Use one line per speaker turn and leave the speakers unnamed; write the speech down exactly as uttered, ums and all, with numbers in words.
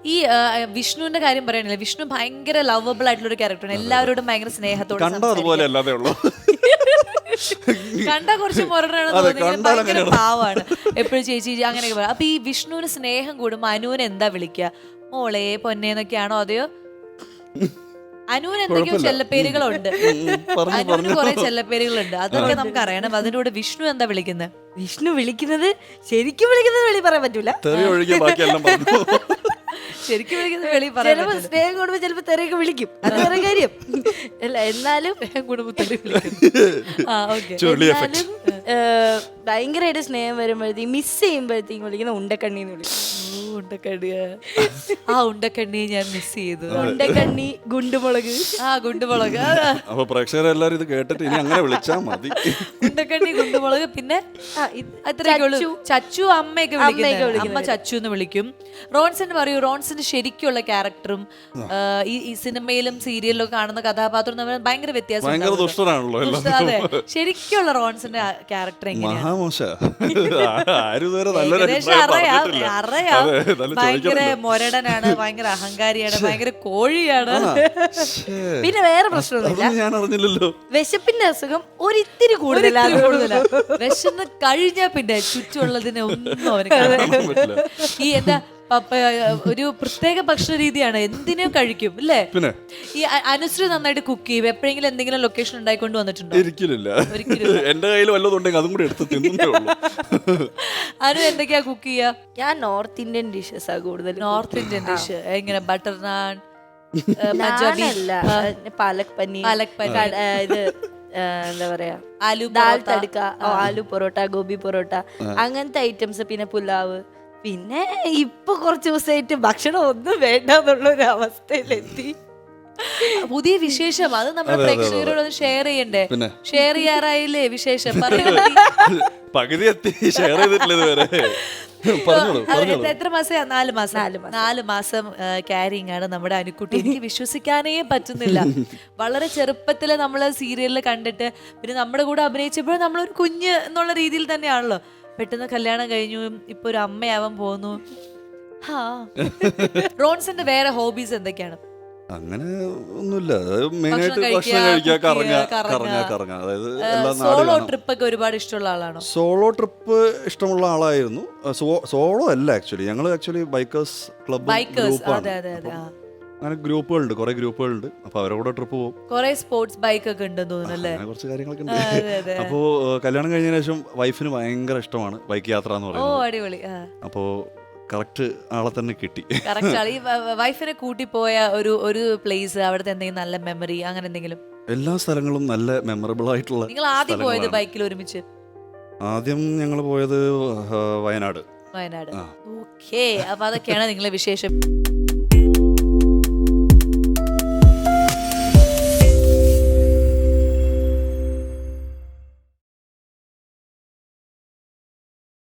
ഈ വിഷ്ണുവിന്റെ കാര്യം പറയണില്ല, വിഷ്ണു ഭയങ്കര ലവബിൾ ആയിട്ടുള്ള ഒരു ക്യാരക്ടറാണ്, എല്ലാവരോടും ഭയങ്കര സ്നേഹത്തോടെ കണ്ടാ കുറച്ച് മുരടാണ് തോന്നുന്നത്, ഭയങ്കര പാവാണ് എപ്പോഴും ചേച്ചി അങ്ങനെയൊക്കെ പറയാം. അപ്പൊ ഈ വിഷ്ണുവിന് സ്നേഹം കൂടുമ്പോ അനുവിന് എന്താ വിളിക്കുക, മോളെ പൊന്നേന്നൊക്കെയാണോ അതെയോ? അനുവിന് എന്തൊക്കെയോ ചെല്ലപ്പേരുകളുണ്ട്, അനുവിന് കുറെ ചെല്ലപ്പേരുകളുണ്ട്, അതൊക്കെ നമുക്ക് അറിയണം. അതിന്റെ കൂടെ വിഷ്ണു എന്താ വിളിക്കുന്നത്?
വിഷ്ണു വിളിക്കുന്നത് ശരിക്കും വിളിക്കുന്നത് വെളി പറയാൻ പറ്റൂല,
ശരിക്കും വിളിക്കുന്നത് വെളി പറയാൻ
ചിലപ്പോ സ്നേഹം കൂടുമ്പോ ചിലപ്പോ തെറിയൊക്കെ വിളിക്കും, അത് വേറെ കാര്യം അല്ല. എന്നാലും
കുടുംബത്തിൽ
എന്നാലും ഭയങ്കരമായിട്ട് സ്നേഹം വരുമ്പോഴത്തേക്കും മിസ് ചെയ്യുമ്പോഴത്തേക്കും വിളിക്കുന്ന ഉണ്ടക്കണ്ണിന്ന് വിളിക്കും.
ഉണ്ടക്കണ്ണി, ആ ഉണ്ടക്കണ്ണി ഞാൻ മിസ് ചെയ്തു.
ഉണ്ടക്കണ്ണി, ഗുണ്ടുമുളക്,
ആ ഗുണ്ടുമുളക്.
അപ്പൊ പ്രേക്ഷകരെല്ലാരും ഇത് കേട്ടിട്ട് ഇനി അങ്ങനെ വിളിച്ചാൽ മതി.
ഉണ്ടക്കണ്ണി, ഗുണ്ടുമുളക്, പിന്നെ ചച്ചു, അമ്മയൊക്കെ വിളിക്കും, അമ്മ ചച്ചു എന്ന് വിളിക്കും. റോൺസിന് പറയൂ, റോൺസിന്റെ ശരിക്കുള്ള ക്യാരക്ടറും ഈ സിനിമയിലും സീരിയലിലും കാണുന്ന കഥാപാത്രം തമ്മിൽ ഭയങ്കര വ്യത്യാസം. അതെ, ശരിക്കുള്ള റോൺസിന്റെ ക്യാരക്ടർ എങ്ങനെയാണ്? അറിയാം, ഭയങ്കര മൊരടനാണ്, ഭയങ്കര അഹങ്കാരിയാണ്, ഭയങ്കര കോഴിയാണ്.
പിന്നെ വേറെ പ്രശ്നമൊന്നുമില്ല, വിശപ്പിന്റെ അസുഖം ഒരിത്തിരി കൂടുതലാണ്.
വിശന്ന് കഴിഞ്ഞാ പിന്നെ ചുറ്റുമുള്ളതിനെ ഒന്നും അവന് കാണാൻ പറ്റില്ല. ഈ എന്താ ഒരു പ്രത്യേക ഭക്ഷണ രീതിയാണ്, എന്തിനും കഴിക്കും അല്ലേ?
പിന്നെ
ഈ അനുശ്രീ നന്നായിട്ട് കുക്ക് ചെയ്യും. എപ്പോഴെങ്കിലും എന്തെങ്കിലും ലൊക്കേഷൻ ഉണ്ടായിക്കൊണ്ട് വന്നിട്ടുണ്ടോ?
ഒരിക്കലില്ല. എന്റെ കയ്യിൽ വല്ലതുണ്ടെങ്കിൽ അതും കൂടി എടുത്ത് തിന്നേ ഉള്ളൂ.
അനു എന്തൊക്കെയാ കുക്ക് ചെയ്യാ?
ഞാൻ നോർത്ത് ഇന്ത്യൻ ഡിഷസ് ആ കൂടുതൽ.
നോർത്ത് ഇന്ത്യൻ ഡിഷ് എങ്ങനെ? ബട്ടർ നാൻ,
പഞ്ചാബി അല്ല, പാലക് പനീർ,
പാലക് പനീർ,
ഇത് എന്താ പറയാ,
ആലു
ദാൽ തടുക്ക, ആലു പൊറോട്ട, ഗോബി പൊറോട്ട, അങ്ങനത്തെ ഐറ്റംസ്. പിന്നെ പുലാവ്. പിന്നെ ഇപ്പൊ കുറച്ച് ദിവസമായിട്ട് ഭക്ഷണം ഒന്നും വേണ്ട എന്നുള്ള ഒരു അവസ്ഥയിലെത്തി.
പുതിയ വിശേഷം അത് നമ്മുടെ പ്രേക്ഷകരോട് ഷെയർ ചെയ്യണ്ടേ? ഷെയർ ചെയ്യാറായില്ലേ വിശേഷം?
പകുതി എത്തി, ഷെയർ ചെയ്തിട്ടില്ല ഇതുവരെ.
എത്ര മാസം? നാല് മാസം. നാല് മാസം ക്യാരിങ് ആണ് നമ്മുടെ അനുക്കുട്ടി. എനിക്ക് വിശ്വസിക്കാനേ പറ്റുന്നില്ല. വളരെ ചെറുപ്പത്തില് നമ്മള് സീരിയലിൽ കണ്ടിട്ട് പിന്നെ നമ്മുടെ കൂടെ അഭിനയിച്ചപ്പോഴും നമ്മളൊരു കുഞ്ഞ് എന്നുള്ള രീതിയിൽ തന്നെയാണല്ലോ. പെട്ടെന്ന് കല്യാണം കഴിഞ്ഞു, ഇപ്പൊ ഒരു അമ്മയാവാൻ പോകുന്നു. റോൺസിന്റെ വേറെ ഹോബീസ് എന്തൊക്കെയാണ്?
അങ്ങനെ ഒന്നുമില്ല, മെയിനായിട്ട് ഭക്ഷണം കഴിക്കുക, കറങ്ങുക, കറങ്ങുക, കറങ്ങുക. അതായത്
സോളോ ട്രിപ്പ് ഒക്കെ ഒരുപാട് ഇഷ്ടമുള്ള ആളാണോ?
സോളോ ട്രിപ്പ് ഇഷ്ടമുള്ള ആളായിരുന്നു. സോളോ അല്ല, ആക്ച്വലി ഞങ്ങൾ ആക്ച്വലി ബൈക്കേഴ്സ് ക്ലബ് അങ്ങനെ ഗ്രൂപ്പുകളുണ്ട്, കുറെ ഗ്രൂപ്പുകളുണ്ട്. അപ്പൊ അവരോട് ട്രിപ്പ് പോകും.
കുറെ സ്പോർട്സ് ബൈക്ക് ഒക്കെ ഉണ്ടെന്ന് തോന്നുന്നല്ലേ?
കുറച്ച് കാര്യങ്ങളൊക്കെ ഉണ്ട്. അപ്പോ കല്യാണം കഴിഞ്ഞതിന് ശേഷം വൈഫിന് ഭയങ്കര ഇഷ്ടമാണ് ബൈക്ക് യാത്ര എന്ന് പറയുന്നത്. അപ്പോ കറക്റ്റ് ആളെ തന്നെ കിട്ടി.
ഈ വൈഫിനെ കൂട്ടി പോയ ഒരു ഒരു പ്ലേസ്, അവിടുത്തെ എന്തെങ്കിലും നല്ല മെമ്മറി അങ്ങനെ എന്തെങ്കിലും?
എല്ലാ സ്ഥലങ്ങളും നല്ല മെമ്മറബിൾ ആയിട്ടുള്ള.
നിങ്ങൾ ആദ്യം പോയത് ബൈക്കിൽ ഒരുമിച്ച്?
ആദ്യം ഞങ്ങൾ പോയത് വയനാട്.
വയനാട്. ഓക്കേ, അപ്പൊ അതൊക്കെയാണ് നിങ്ങളെ വിശേഷം.